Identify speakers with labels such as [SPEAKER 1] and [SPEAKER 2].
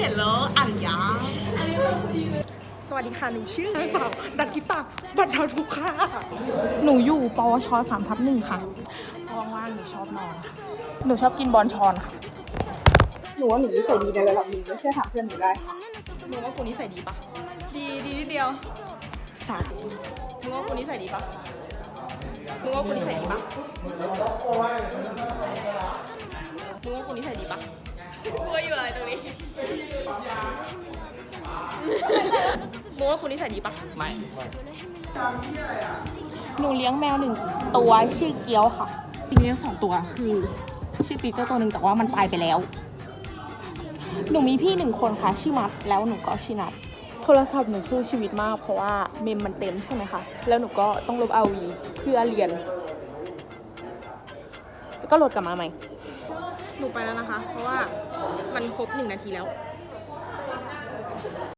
[SPEAKER 1] ห็นแล้วอ่านยา
[SPEAKER 2] สวัสดีค่ะ หนูชื่อนางสาวดันทิตาบรรเทาทุกข์ค่ะ หนูอยู่ปวช3/1ค่ะว่างๆหนูชอบนอนค่ะ หนูชอบกินบอนชอนค่ะ
[SPEAKER 3] หนูว่าหนูนิสัยดีในระดับหนึ่งไม่เชื่อถามเพื่อนหนูได้ค่ะ
[SPEAKER 2] หนูว่ากูนิสัยดีปะ
[SPEAKER 1] ดีนิดเดียว
[SPEAKER 2] สามมึงว่ากูนิสัยดีปะมึงว่ากูนิสัยดีปะมึงว่ากูนิสัยดีปะ
[SPEAKER 1] กลัวอยู่อะไรตรงนี้
[SPEAKER 2] มึงว่ากูนิสัยดีปะ
[SPEAKER 1] ไม่
[SPEAKER 2] หนูเลี้ยงแมว1 ตัวชื่อเกียวค่ะเลี้ยง2 ตัวคือชื่อปีเตอร์ตัวหนึ่งแต่ว่ามันตายไปแล้ว หนูมีพี่1 คนค่ะชื่อมัดแล้วหนูก็ชื่อนัดโทรศัพท์หนูสู้ชีวิตมากเพราะว่าเมมมันเต็มใช่ไหมคะแล้วหนูก็ต้องลบ RV เพื่อเรียนแล้วก็โหลดกลับมาใหม่ หนูไปแล้วนะคะ เพราะว่ามันครบ1 นาทีแล้ว